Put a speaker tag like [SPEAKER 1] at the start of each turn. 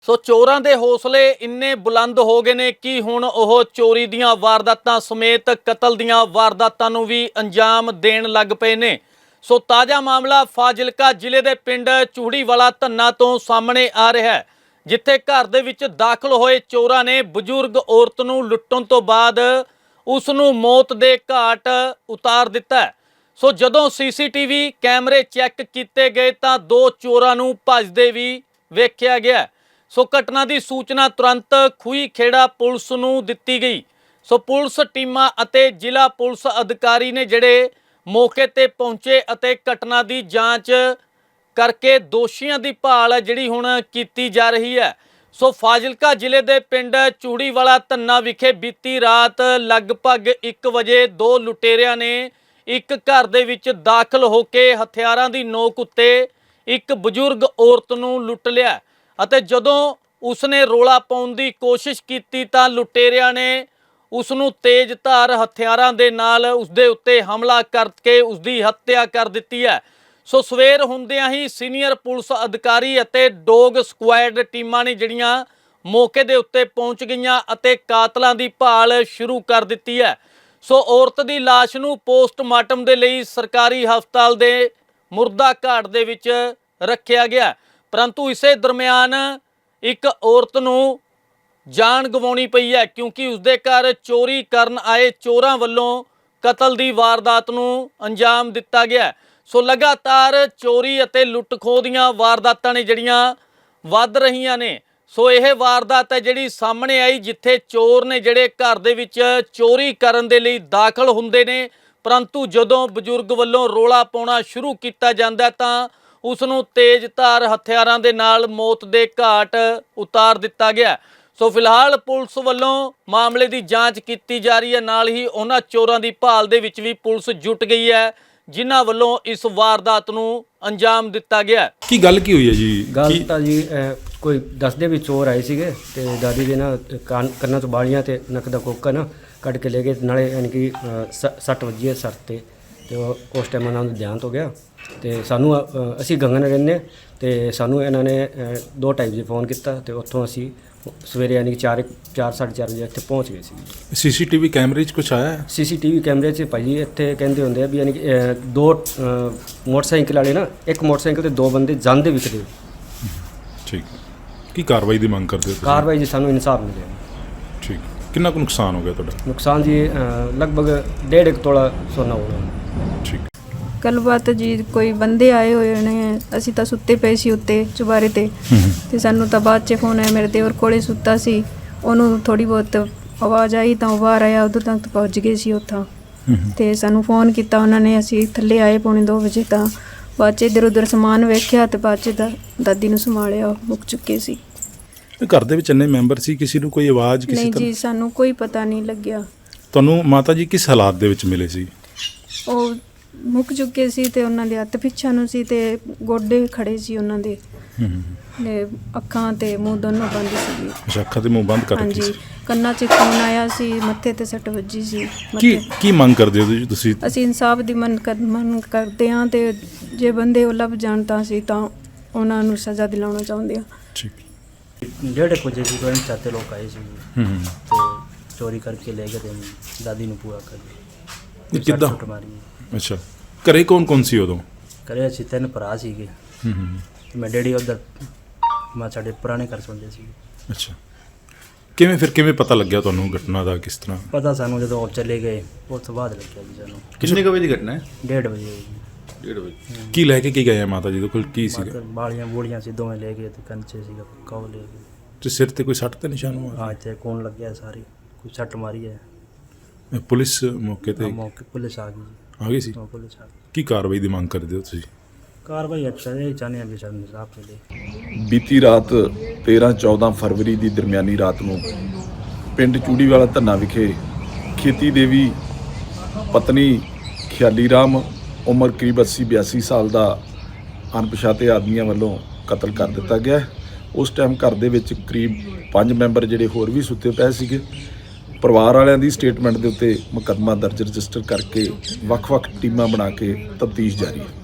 [SPEAKER 1] ਸੋ ਚੋਰਾਂ ਦੇ ਹੌਸਲੇ ਇੰਨੇ ਬੁਲੰਦ ਹੋ ਗਏ ਨੇ ਕਿ ਹੁਣ ਉਹ ਚੋਰੀ ਦੀਆਂ ਵਾਰਦਾਤਾਂ ਸਮੇਤ ਕਤਲ ਦੀਆਂ ਵਾਰਦਾਤਾਂ ਨੂੰ ਵੀ ਅੰਜਾਮ ਦੇਣ ਲੱਗ ਪਏ ਨੇ। ਸੋ ਤਾਜ਼ਾ ਮਾਮਲਾ ਫਾਜ਼ਿਲਕਾ ਜ਼ਿਲ੍ਹੇ ਦੇ ਪਿੰਡ ਚੂੜੀਵਾਲਾ ਧੰਨਾ ਤੋਂ ਸਾਹਮਣੇ ਆ ਰਿਹਾ ਹੈ, ਜਿੱਥੇ ਘਰ ਦੇ ਵਿੱਚ ਦਾਖਲ ਹੋਏ ਚੋਰਾਂ ਨੇ ਬਜ਼ੁਰਗ ਔਰਤ ਨੂੰ ਲੁੱਟਣ ਤੋਂ ਬਾਅਦ ਉਸ ਨੂੰ ਮੌਤ ਦੇ ਘਾਟ ਉਤਾਰ ਦਿੱਤਾ ਹੈ। ਸੋ ਜਦੋਂ ਸੀਸੀਟੀਵੀ ਕੈਮਰੇ ਚੈੱਕ ਕੀਤੇ ਗਏ ਤਾਂ ਦੋ ਚੋਰਾਂ ਨੂੰ ਭੱਜਦੇ ਵੀ ਵੇਖਿਆ ਗਿਆ। ਸੋ ਘਟਨਾ ਦੀ ਸੂਚਨਾ ਤੁਰੰਤ ਖੂਹੀ ਖੇੜਾ ਪੁਲਿਸ ਨੂੰ ਦਿੱਤੀ ਗਈ। ਸੋ ਪੁਲਿਸ ਟੀਮਾਂ ਅਤੇ ਜ਼ਿਲ੍ਹਾ ਪੁਲਿਸ ਅਧਿਕਾਰੀ ਨੇ ਜਿਹੜੇ ਮੌਕੇ ਤੇ ਪਹੁੰਚੇ ਅਤੇ ਘਟਨਾ ਦੀ ਜਾਂਚ ਕਰਕੇ ਦੋਸ਼ੀਆਂ ਦੀ ਭਾਲ ਜਿਹੜੀ ਹੁਣ ਕੀਤੀ ਜਾ ਰਹੀ ਹੈ। ਸੋ ਫਾਜ਼ਿਲਕਾ ਜ਼ਿਲ੍ਹੇ ਦੇ ਪਿੰਡ ਚੂੜੀਵਾਲਾ ਧੰਨਾ ਵਿਖੇ ਬੀਤੀ ਰਾਤ ਲਗਭਗ 1 ਵਜੇ ਦੋ ਲੁਟੇਰਿਆਂ ਨੇ ਇੱਕ ਘਰ ਦੇ ਵਿੱਚ ਦਾਖਲ ਹੋ ਕੇ ਹਥਿਆਰਾਂ ਦੀ ਨੋਕ ਉੱਤੇ ਇੱਕ ਬਜ਼ੁਰਗ ਔਰਤ ਨੂੰ ਲੁੱਟ ਲਿਆ ਅਤੇ ਜਦੋਂ ਉਸਨੇ ਰੋਲਾ ਪਾਉਣ ਦੀ ਕੋਸ਼ਿਸ਼ ਕੀਤੀ ਤਾਂ ਲੁਟੇਰਿਆਂ ਨੇ ਉਸ ਨੂੰ ਤੇਜ਼ ਧਾਰ ਹਥਿਆਰਾਂ ਦੇ ਨਾਲ ਉਸਦੇ ਉੱਤੇ ਹਮਲਾ ਕਰਕੇ ਉਸਦੀ ਹੱਤਿਆ ਕਰ ਦਿੱਤੀ ਹੈ। ਸੋ ਸਵੇਰ ਹੁੰਦਿਆਂ ਹੀ ਸੀਨੀਅਰ ਪੁਲਿਸ ਅਧਿਕਾਰੀ ਅਤੇ ਡੌਗ ਸਕੁਐਡ ਟੀਮਾਂ ਨੇ ਜਿਹੜੀਆਂ ਮੌਕੇ ਦੇ ਉੱਤੇ ਪਹੁੰਚ ਗਈਆਂ ਅਤੇ ਕਾਤਲਾਂ ਦੀ ਭਾਲ ਸ਼ੁਰੂ ਕਰ ਦਿੱਤੀ ਹੈ। ਸੋ ਔਰਤ ਦੀ ਲਾਸ਼ ਨੂੰ ਪੋਸਟਮਾਰਟਮ ਦੇ ਲਈ ਸਰਕਾਰੀ ਹਸਪਤਾਲ ਦੇ ਮੁਰਦਾ ਘਾਟ ਦੇ ਵਿੱਚ ਰੱਖਿਆ ਗਿਆ, ਪਰੰਤੂ ਇਸੇ ਦਰਮਿਆਨ ਇੱਕ ਔਰਤ ਨੂੰ ਜਾਨ ਗਵਾਉਣੀ ਪਈ ਹੈ ਕਿਉਂਕਿ ਉਸਦੇ ਘਰ ਚੋਰੀ ਕਰਨ ਆਏ ਚੋਰਾਂ ਵੱਲੋਂ ਕਤਲ ਦੀ ਵਾਰਦਾਤ ਨੂੰ ਅੰਜਾਮ ਦਿੱਤਾ ਗਿਆ। ਸੋ ਲਗਾਤਾਰ ਚੋਰੀ ਅਤੇ ਲੁੱਟ ਖੋਹ ਦੀਆਂ ਵਾਰਦਾਤਾਂ ਨੇ ਜਿਹੜੀਆਂ ਵੱਧ ਰਹੀਆਂ ਨੇ। ਸੋ ਇਹ ਵਾਰਦਾਤ ਹੈ ਜਿਹੜੀ ਸਾਹਮਣੇ ਆਈ ਜਿੱਥੇ ਚੋਰ ਨੇ ਜਿਹੜੇ ਘਰ ਦੇ ਵਿੱਚ ਚੋਰੀ ਕਰਨ ਦੇ ਲਈ ਦਾਖਲ ਹੁੰਦੇ ਨੇ, ਪਰੰਤੂ ਜਦੋਂ ਬਜ਼ੁਰਗ ਵੱਲੋਂ ਰੋਲਾ ਪਾਉਣਾ ਸ਼ੁਰੂ ਕੀਤਾ ਜਾਂਦਾ ਤਾਂ ਉਸ ਨੂੰ ਤੇਜ਼ ਧਾਰ ਹਥਿਆਰਾਂ ਦੇ ਨਾਲ ਮੌਤ ਦੇ ਘਾਟ ਉਤਾਰ ਦਿੱਤਾ ਗਿਆ। ਸੋ ਫਿਲਹਾਲ ਪੁਲਿਸ ਵੱਲੋਂ ਮਾਮਲੇ ਦੀ ਜਾਂਚ ਕੀਤੀ ਜਾ ਰਹੀ ਹੈ, ਨਾਲ ਹੀ ਉਹਨਾਂ ਚੋਰਾਂ ਦੀ ਭਾਲ ਦੇ ਵਿੱਚ ਵੀ ਪੁਲਿਸ ਜੁਟ ਗਈ ਹੈ ਜਿਨ੍ਹਾਂ ਵੱਲੋਂ ਇਸ ਵਾਰਦਾਤ ਨੂੰ ਅੰਜਾਮ ਦਿੱਤਾ ਗਿਆ।
[SPEAKER 2] ਕੀ ਗੱਲ ਕੀ ਹੋਈ ਹੈ ਜੀ?
[SPEAKER 3] ਗੱਲ ਤਾਂ ਜੀ ਕੋਈ ਦੱਸਦੇ ਵੀ ਚੋਰ ਆਏ ਸੀਗੇ ਤੇ ਦਾਦੀ ਦੇ ਨਾ ਕੰਨਾਂ ਤੋਂ ਬਾਲੀਆਂ ਤੇ ਨੱਕ ਦਾ ਕੋਕਾ ਨਾ ਕੱਢ ਕੇ ਲੈ ਗਏ, ਨਾਲੇ ਯਾਨੀ ਕਿ 60 ਵੱਜੀ ਹੈ ਸਰ ਤੇ ਉਸ ਟਾਈਮ ਉਹਨਾਂ ਨੂੰ ਧਿਆਨ ਹੋ ਗਿਆ ਤੇ ਸਾਨੂੰ ਅਸੀਂ ਗੰਗਨ ਰਹਿੰਦੇ ਤੇ ਸਾਨੂੰ ਇਹਨਾਂ ਨੇ 2:30 ਵਜੇ ਫੋਨ ਕੀਤਾ ਤੇ ਉੱਥੋਂ ਅਸੀਂ ਸਵੇਰੇ ਯਾਨੀ ਕਿ 4:30 ਵਜੇ ਇੱਥੇ ਪਹੁੰਚ ਗਏ ਸੀ।
[SPEAKER 2] ਸੀਸੀਟੀਵੀ ਕੈਮਰੇ 'ਚ ਕੁਛ ਆਇਆ?
[SPEAKER 3] ਸੀਸੀਟੀਵੀ ਕੈਮਰੇ 'ਚ ਭਾਜੀ ਇੱਥੇ ਕਹਿੰਦੇ ਹੁੰਦੇ ਆ ਵੀ ਯਾਨੀ ਕਿ ਦੋ ਮੋਟਰਸਾਈਕਲ ਵਾਲੇ ਨਾ, ਇੱਕ ਮੋਟਰਸਾਈਕਲ ਤੇ ਦੋ ਬੰਦੇ ਜਾਂਦੇ ਵਿਖਦੇ।
[SPEAKER 2] ਠੀਕ, ਕੀ ਕਾਰਵਾਈ ਦੀ ਮੰਗ ਕਰਦੇ ਹੋ ਤੁਸੀਂ?
[SPEAKER 3] ਕਾਰਵਾਈ ਜੀ ਸਾਨੂੰ ਇਨਸਾਫ ਮਿਲੇ।
[SPEAKER 2] ਠੀਕ, ਕਿੰਨਾ ਕੁ ਨੁਕਸਾਨ ਹੋ ਗਿਆ ਤੁਹਾਡਾ?
[SPEAKER 3] ਨੁਕਸਾਨ ਜੀ ਲਗਭਗ 1.5 ਤੋਲਾ ਸੋਨਾ ਹੋਣਾ।
[SPEAKER 2] ਠੀਕ,
[SPEAKER 4] ਗੱਲਬਾਤ ਜੀ ਕੋਈ ਬੰਦੇ ਆਏ ਹੋਏ ਨੇ, ਅਸੀਂ ਤਾਂ ਸੁੱਤੇ ਪਏ ਸੀ ਉੱਤੇ ਚੁਬਾਰੇ ਤੇ ਸਾਨੂੰ ਤਾਂ ਬਾਅਦ 'ਚ ਫੋਨ ਆਇਆ, ਮੇਰੇ ਦੇਵਰ ਕੋਲੇ ਸੁੱਤਾ ਸੀ, ਉਹਨੂੰ ਥੋੜੀ ਬਹੁਤ ਆਵਾਜ਼ ਆਈ ਤਾਂ ਉਹ ਬਾਹਰ ਆਇਆ, ਉਦੋਂ ਤੱਕ ਪਹੁੰਚ ਗਏ ਸੀ ਉੱਥੋਂ ਤੇ ਸਾਨੂੰ ਫੋਨ ਕੀਤਾ ਉਹਨਾਂ ਨੇ, ਅਸੀਂ ਥੱਲੇ ਆਏ 2:45 ਵਜੇ ਤਾਂ ਬਾਅਦ 'ਚ ਇੱਧਰ ਉੱਧਰ ਸਮਾਨ ਵੇਖਿਆ ਤੇ ਬਾਅਦ 'ਚ ਦਾਦੀ ਨੂੰ ਸੰਭਾਲਿਆ, ਮੁੱਕ ਚੁੱਕੇ ਸੀ।
[SPEAKER 2] ਘਰ ਦੇ ਵਿੱਚ ਇੰਨੇ ਮੈਂਬਰ ਸੀ, ਕਿਸੇ ਨੂੰ ਕੋਈ ਆਵਾਜ਼ ਕਿਸੇ
[SPEAKER 4] ਨਹੀਂ
[SPEAKER 2] ਤਰ੍ਹਾਂ?
[SPEAKER 4] ਜੀ ਸਾਨੂੰ ਕੋਈ ਪਤਾ ਨਹੀਂ ਲੱਗਿਆ।
[SPEAKER 2] ਤੁਹਾਨੂੰ ਮਾਤਾ ਜੀ ਕਿਸ ਹਾਲਾਤ ਦੇ ਵਿੱਚ ਮਿਲੇ ਸੀ?
[SPEAKER 4] ਉਹ ਮੁੱਕ ਚੁੱਕੇ ਸੀ ਤੇ ਉਹਨਾਂ ਦੇ ਹੱਥ ਪਿੱਛਾ ਨੂੰ ਸੀ ਤੇ ਗੋਡੇ ਖੜੇ ਸੀ ਉਹਨਾਂ ਦੇ, ਤੇ ਅੱਖਾਂ ਤੇ ਮੂੰਹ ਦੋਨੋਂ ਬੰਦ ਸੀ।
[SPEAKER 2] ਅੱਛਾ, ਅੱਖਾਂ ਤੇ ਮੂੰਹ ਬੰਦ ਕਰ ਰੱਖੇ ਸੀ।
[SPEAKER 4] ਹਾਂਜੀ, ਕੰਨਾਂ 'ਚ ਖੂਨ ਆਇਆ ਸੀ, ਮੱਥੇ ਤੇ ਸੱਟ ਵੱਜੀ ਸੀ।
[SPEAKER 2] ਕੀ ਮੰਗ ਕਰਦੇ ਹੋ ਤੁਸੀਂ?
[SPEAKER 4] ਅਸੀਂ ਇਨਸਾਫ ਦੀ ਮੰਗ ਕਰਦੇ ਹਾਂ ਤੇ ਜੇ ਬੰਦੇ ਉਹ ਲੱਭ ਜਾਣ ਤਾਂ ਅਸੀਂ ਤਾਂ ਉਹਨਾਂ ਨੂੰ ਸਜ਼ਾ ਦਿਲਾਉਣਾ ਚਾਹੁੰਦੇ ਹਾਂ।
[SPEAKER 2] ਠੀਕ,
[SPEAKER 3] 1:30 ਵਜੇ ਦੀ ਕੋਈ ਚਾਤੇ ਲੋਕ ਆਏ ਸੀ ਤੇ ਚੋਰੀ ਕਰਕੇ ਲੈ ਗਏ ਤੇ ਦਾਦੀ ਨੂੰ ਪੂਰਾ ਕਰ
[SPEAKER 2] ਇਹ ਕਿੱਦਾਂ?
[SPEAKER 3] ਮਾਰੀ।
[SPEAKER 2] ਅੱਛਾ, ਘਰੇ ਕੌਣ ਸੀ ਉਦੋਂ?
[SPEAKER 3] ਘਰੇ ਅਸੀਂ 3 ਭਰਾ ਸੀਗੇ, ਮੈਂ ਡੈਡੀ ਉੱਧਰ ਮੈਂ ਸਾਡੇ ਪੁਰਾਣੇ ਘਰ ਸੌਂਦੇ ਸੀ।
[SPEAKER 2] ਅੱਛਾ, ਕਿਵੇਂ ਪਤਾ ਲੱਗਿਆ ਤੁਹਾਨੂੰ ਘਟਨਾ ਦਾ? ਕਿਸ ਤਰ੍ਹਾਂ
[SPEAKER 3] ਪਤਾ ਸਾਨੂੰ ਜਦੋਂ ਉਹ ਚਲੇ ਗਏ ਉਸ ਤੋਂ ਬਾਅਦ ਲੱਗਿਆ ਜੀ ਸਾਨੂੰ।
[SPEAKER 5] ਕਿੰਨੇ ਵਜੇ ਦੀ ਘਟਨਾ ਹੈ?
[SPEAKER 3] 1:30 ਵਜੇ।
[SPEAKER 5] 1:30 ਵਜੇ।
[SPEAKER 2] ਕੀ ਲੈ ਕੇ ਕੀ ਗਏ ਮਾਤਾ ਜੀ ਦੇ ਕੋਲ? ਕੀ ਸੀਗਾ?
[SPEAKER 3] ਬਾਲੀਆਂ ਬੂੜੀਆਂ ਸੀ ਦੋਵੇਂ ਲੈ ਗਏ ਤੇ ਕੰਚੇ ਸੀਗਾ ਕੌ ਲੈ ਗਏ
[SPEAKER 2] ਤੇ ਸਿਰ ਤੇ ਕੋਈ ਸੱਟ ਤੇ ਨਿਸ਼ਾਨ ਹੋਇਆ?
[SPEAKER 3] ਹਾਂ, ਇੱਥੇ ਕੋਣ ਲੱਗਿਆ ਸਾਰੀ, ਕੋਈ ਸੱਟ ਮਾਰੀ ਹੈ।
[SPEAKER 2] ਪੁਲਿਸ ਮੌਕੇ ਤੇ
[SPEAKER 3] ਮੌਕੇ ਪੁਲਿਸ ਆ ਗਈ ਜੀ।
[SPEAKER 2] ਆ ਗਈ ਸੀ?
[SPEAKER 3] ਪੁਲਿਸ ਆ ਗਈ।
[SPEAKER 2] ਕੀ ਕਾਰਵਾਈ ਦੀ ਮੰਗ ਕਰਦੇ ਹੋ ਤੁਸੀਂ?
[SPEAKER 3] ਕਾਰਵਾਈ ਅੱਛਾ ਇਹ ਚਾਹੁੰਦੇ ਹਾਂ ਵੀ ਸਾਨੂੰ ਇਨਸਾਫ ਮਿਲੇ।
[SPEAKER 5] ਬੀਤੀ ਰਾਤ 13-14 ਫਰਵਰੀ ਦੀ ਦਰਮਿਆਨੀ ਰਾਤ ਨੂੰ ਪਿੰਡ ਚੂੜੀਵਾਲਾ ਧੰਨਾ ਵਿਖੇ ਖੇਤੀ ਦੇਵੀ ਪਤਨੀ ਖਿਆਲੀ ਰਾਮ ਉਮਰ ਕਰੀਬ 80-82 ਸਾਲ ਦਾ ਅਣਪਛਾਤੇ ਆਦਮੀਆਂ ਵੱਲੋਂ ਕਤਲ ਕਰ ਦਿੱਤਾ ਗਿਆ। ਉਸ ਟਾਈਮ ਘਰ ਦੇ ਵਿੱਚ ਕਰੀਬ 5 ਮੈਂਬਰ ਜਿਹੜੇ ਹੋਰ ਵੀ ਸੁੱਤੇ ਪਏ ਸੀਗੇ। ਪਰਿਵਾਰ ਵਾਲਿਆਂ ਦੀ ਸਟੇਟਮੈਂਟ ਦੇ ਉੱਤੇ ਮੁਕੱਦਮਾ ਦਰਜ ਰਜਿਸਟਰ ਕਰਕੇ ਵੱਖ-ਵੱਖ ਟੀਮਾਂ ਬਣਾ ਕੇ ਤਫਤੀਸ਼ ਜਾਰੀ ਹੈ।